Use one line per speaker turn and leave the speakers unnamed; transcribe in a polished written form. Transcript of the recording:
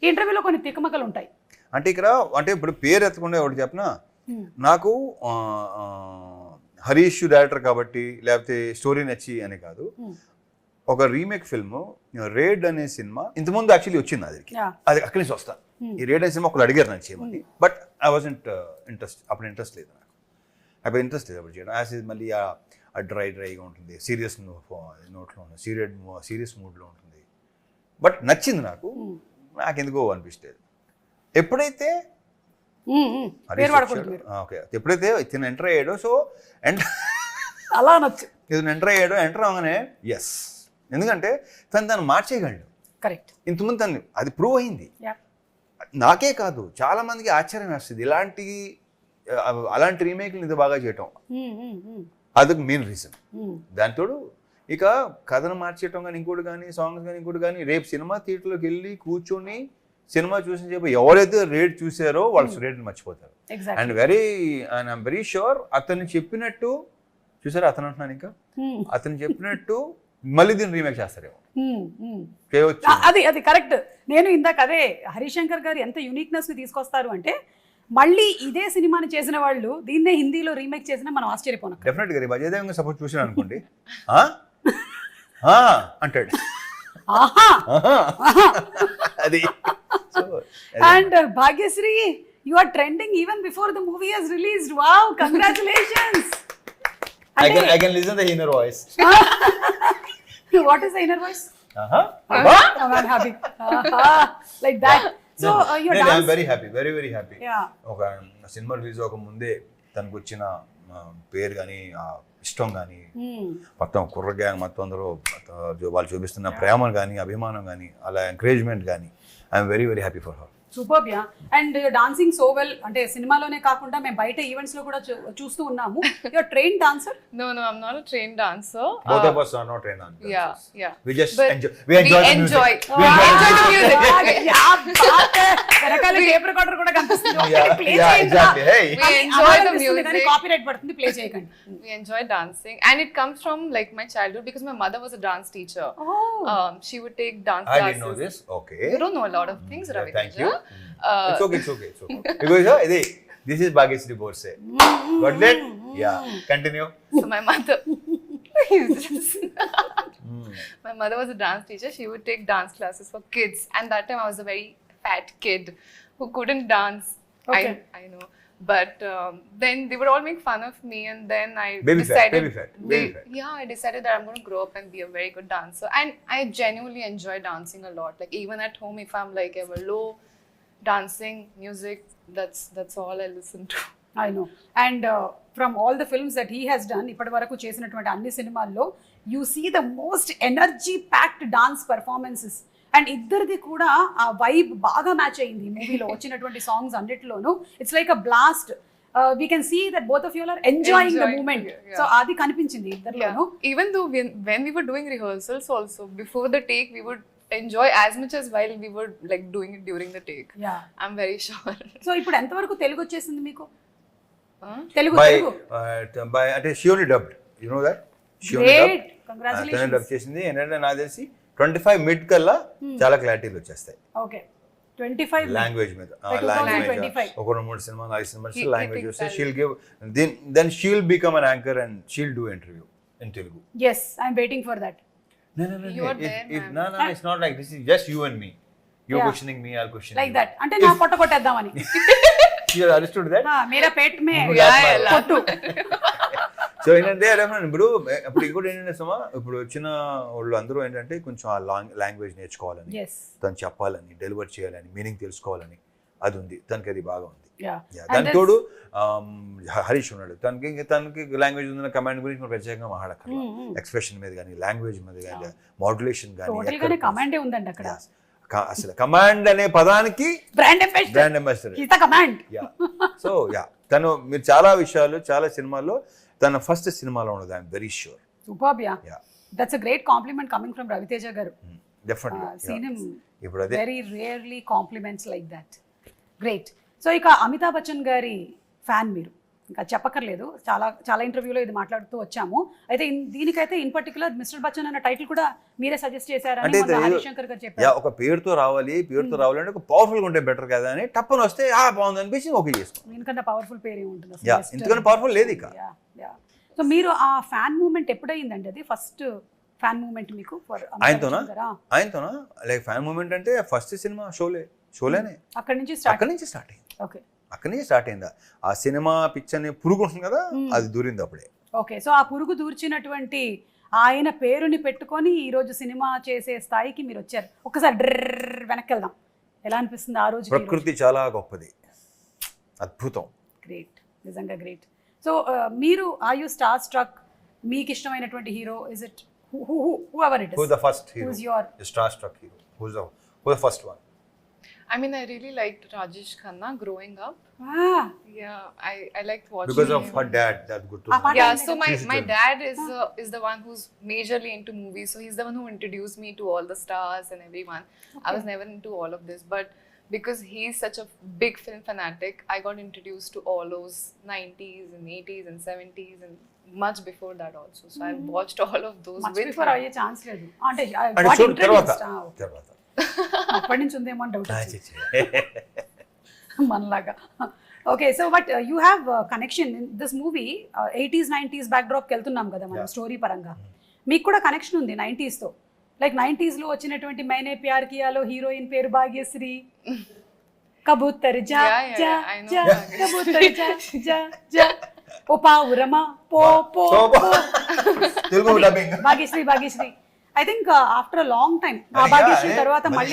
ఈ ఇంటర్వ్యూలో కొన్ని తికమకలు ఉంటాయి.
అంటే ఇక్కడ అంటే ఇప్పుడు పేరు ఎత్తకుండా ఒకటి చెప్పనా, నాకు హరీష్ డైరెక్టర్ కాబట్టి లేకపోతే స్టోరీ నచ్చి అని కాదు, ఒక రీమేక్ ఫిల్మ్ రేడ్ అనే సినిమా ఇంతకుముందు యాక్చువల్లీ వచ్చింది అది అక్కడి నుంచి వస్తా. ఈ రేడ్ అనే సినిమా ఒకరు అడిగారు నాకు చేయమని, బట్ ఐ వాజంట్ అప్పుడు ఇంట్రెస్ట్ లేదు నాకు, అప్పుడు ఇంట్రెస్ట్ లేదు అప్పుడు చేయడం. యాజ్ మళ్ళీ ఆ డ్రైగా ఉంటుంది, సీరియస్ నోట్లో ఉంటుంది, సీరియస్ మూడ్లో ఉంటుంది. బట్ నచ్చింది నాకు ఎందుకో అనిపించలేదు. ఎప్పుడైతే ఓకే ఎప్పుడైతే ఇతను ఎంటర్ అయ్యాడో, సో
అలా నచ్చు
ఇతను ఎంటర్ అవగానే ఎస్, ఎందుకంటే తను మార్చేయగలడు.
కరెక్ట్.
ఇంతకుముందు తను అది ప్రూవ్ అయింది. నాకే కాదు చాలా మందికి ఆశ్చర్యం వేస్తుంది అలాంటి రీమేక్లు ఇంత బాగా చేయటం. అదొక మెయిన్ రీజన్. దానితోడు ఇక కథను మార్చేయటం కానీ ఇంకోటి కానీ సాంగ్స్ కానీ ఇంకోటి కానీ, రేపు సినిమా థియేటర్లోకి వెళ్ళి కూర్చొని సినిమా చూసిన చెప్పి ఎవరైతే రేట్ చూసారో వాళ్ళు రేట్ని మర్చిపోతారు. అండ్ ఐఎమ్ వెరీ షూర్ అతను చెప్పినట్టు చూసారా, అతను అంటున్నాను ఇంకా అతను చెప్పినట్టు మళ్ళీ దీన్ని రీమేక్ చేస్తారేమో.
అది కరెక్ట్. నేను ఇందాక అదే హరిశంకర్ గారు ఎంత యూనిక్నెస్ ని తీసుకొస్తారు అంటే, మళ్ళీ ఇదే సినిమాని చేసిన వాళ్ళు దీన్నే హిందీలో రీమేక్ చేసినా మనం ఆశ్చర్యపోను.
డెఫినెట్ గా అజయ్ దేవగన్ సపోజ్ చూసాను అనుకోండి అంటాడు అది.
And Bhagyashri, you are trending even before the movie has released. Wow, congratulations.
I can listen the inner voice.
What is the inner voice? I'm happy. Like that. So your dance.
I'm very happy, very happy.
Yeah.
ఒక cinema release అవ్వక ముందే తనకు వచ్చిన పేరు కానీ ఇష్టం కానీ మొత్తం కుర్ర గ్యాంగ్ మొత్తం అందరూ వాళ్ళు చూపిస్తున్న ప్రేమ కానీ అభిమానం కానీ అలా ఎంకరేజ్మెంట్ కానీ I'm very happy for her.
Superb. Yeah. And dancing so well, అంటే సినిమాలోనే కాకుండా మేము బయట ఈవెంట్స్ లో కూడా చూస్తూ ఉన్నాము. You are trained dancer?
No, I'm not a trained dancer.
Both of us are not trained dancers.
Yeah.
We just
but
enjoy the music.
We enjoy the music.
యా బాత్ హై. వెనకాల టేప్ రికార్డర్ కూడా కనిపిస్తుంది. Play
Yeah, exactly. Hey.
We enjoy the music.
కానీ copyright పడుతుంది, play చేయకండి.
We enjoy dancing, and it comes from like my childhood because my mother was a dance teacher. She would take dance classes.
I didn't know this. Okay.
You don't know a lot of things, Ravi.
Thank you. It's okay. Because this is Bhagyashree Borse. Got that? Yeah. Continue.
So my mother my mother was a dance teacher. She would take dance classes for kids, and that time I was a very fat kid who couldn't dance.
Okay.
I know. But then they would all make fun of me, and then I
Baby
decided
fat.
Yeah, I decided that I'm going to grow up and be a very good dancer, and I genuinely enjoy dancing a lot. Like even at home, if I'm like ever low, dancing, music, that's all I listen to.
I know. And from all the films that he has done, ఇప్పటి వరకు చేసినటువంటి అన్ని సినిమాల్లో you see the most energy packed dance performances. And ఇద్దరిది కూడా ఆ vibe బాగా match అయింది మూవీలో వచ్చినటువంటి సాంగ్స్ అన్నిటిలోనూ. It's like a blast. We can see that both of you are enjoying the moment.
Yeah.
So అది కనిపించింది ఇద్దరిలోనూ.
Even though when we were doing rehearsals also, before the take we would enjoy as much as while we were like doing it during the take.
Yeah.
I'm very sure.
So ఇప్పుడు ఎంతవరకు తెలుగు వచ్చేసింది మీకు? Telugu
by అంటే she only dubbed, you know that? She only
Great.
dubbed.
Congratulations.
Dub చేసింది. ఏంటంటే నాకు తెలిసి 25 mid కల్లా చాలా క్లారిటీలు వచ్చేస్తాయి.
ఓకే. 25
లాంగ్వేజ్ మీద ఒక 2-3 సినిమా 4 సినిమాస్ లాంగ్వేజ్ వస్తే she'll give then she'll become an anchor and she'll do interview in Telugu.
yes, I'm waiting for that.
You are there,
No, it's not like this is just you and me. You're questioning me, I'll question
Like
you.
that. అంటే నా పొట్ట కొట్టేద్దామని.
You understood that?
మేరా పేట్ మే
Yeah.
కొట్టు.
So ఏంటంటే ఇప్పుడు ఇంకోటి ఏంటంటే సుమా, ఇప్పుడు వచ్చిన వాళ్ళు అందరూ ఏంటంటే కొంచెం ఆ లాంగ్వేజ్ నేర్చుకోవాలని, తను చెప్పాలని, డెలివర్ చేయాలని, మీనింగ్ తెలుసుకోవాలని అది ఉంది తనకి, అది బాగా ఉంది. దాని తోడు హరీష్ ఉన్నాడు, తనకి లాంగ్వేజ్ ఉందన్న కమాండ్ గురించి మనం ప్రత్యేకంగా మాట్లాడక్కర్లా. ఎక్స్ప్రెషన్ మీద కానీ, లాంగ్వేజ్ మీద కానీ, మాడ్యులేషన్ కానీ
కమాండే ఉందండి అక్కడ.
అసలు కమాండ్ అనే పదానికి
బ్రాండ్ అంబాసిడర్.
సో తను మీరు చాలా విషయాలు చాలా సినిమాల్లో తన ఫస్ట్ సినిమాలో ఉన్నది. I'm very sure.
Superb. Yeah. That's a great compliment coming from Ravi Teja garu.
Definitely.
Seen him
ఇప్పుడు అదే
very rarely compliments like that. Great. So ఇక అమితాబ్ బచ్చన్ గారి ఫ్యాన్ మీరు. ఇంకా చెప్పక్కర్లేదు, చాలా చాలా ఇంటర్వ్యూలో ఇది మాట్లాడుతూ వచ్చాము. అయితే దీనికైతే ఇన్ పర్టికులర్ మిస్టర్ బచ్చన్ అన్న టైటిల్ కూడా మీరే సజెస్ట్ చేశారని
అంటే
మొన్న హరిశంకర్ గారు చెప్పారు.
ఒక పేరుతో రావాలి అంటే ఒక పవర్ఫుల్గా ఉంటే బెటర్ కదా అని టప్పని వస్తే బాగుంది అనిపించి ఓకే చేసుకో.
దీనికన్నా పవర్ఫుల్ పేరు ఏముంటుంది
యా, ఎందుకని పవర్ఫుల్ లేదు ఇక.
సో మీరు ఆ ఫ్యాన్ మూమెంట్ ఎప్పుడైందండి? అది ఫస్ట్ ఫ్యాన్ మూమెంట్ మీకు
ఆయనతోనా లైక్ ఫ్యాన్ మూమెంట్ అంటే ఫస్ట్ సినిమా షోలేనే
అక్కడి నుంచి
స్టార్ట్ అయింది.
ఓకే,
అక్కడి నుంచి స్టార్ట్ అయిందా ఆ సినిమా పిక్చర్ని పురుగు ఉంటుంది కదా, అది దూరింది అప్పుడే.
ఓకే, సో ఆ పురుగు దూర్చినటువంటి ఆయన పేరుని పెట్టుకొని ఈరోజు సినిమా చేసే స్థాయికి మీరు వచ్చారు. ఒకసారి డ్రర్ వెనక్కి వెళ్దాం, ఎలా అనిపిస్తుంది ఆ రోజు?
ప్రకృతి చాలా గొప్పది, అద్భుతం.
గ్రేట్, నిజంగా గ్రేట్. సో మీరు ఆర్ యూ స్టార్ స్ట్రక్? మీకు ఇష్టమైనటువంటి hero is it whoever it is?
Who's the first hero?
Who's your
star-struck hero? Who's the first one?
I mean, I really liked Rajesh Khanna growing up. Yeah, I liked watching
Because of
him.
her dad, that's good to know.
Yeah, so my dad is the one who's majorly into movies, so he's the one who introduced me to all the stars and everyone. I was never into all of this, but because he's such a big film fanatic, I got introduced to all those 90s and 80s and 70s and much before that also. So I've watched all of those
much
with
before
him.
అయ్యే chance లేదు అంటే
అంటే
what
చూడు
introduced?
తర్వాత
అప్పటి నుంచి ఉందేమో అని డౌట్ మనలాగా. Okay, so but you have connection in this movie. 80s 90s బ్యాక్డ్రాప్కి వెళ్తున్నాం కదా మనం స్టోరీ పరంగా. మీకు కూడా కనెక్షన్ ఉంది 90sతో. లైక్ 90sలో వచ్చినటువంటి మైనే ప్యార్ కియాలో హీరోయిన్ పేరు భాగ్యశ్రీ. కబూతర్ జా జా జా కబూతర్ జా జా జా ఓ పావురమా పో పో
Telugu dubbing
Bhagyashri. I think after a long time ఆ భాగ్యశ్రీ తర్వాత మళ్ళీ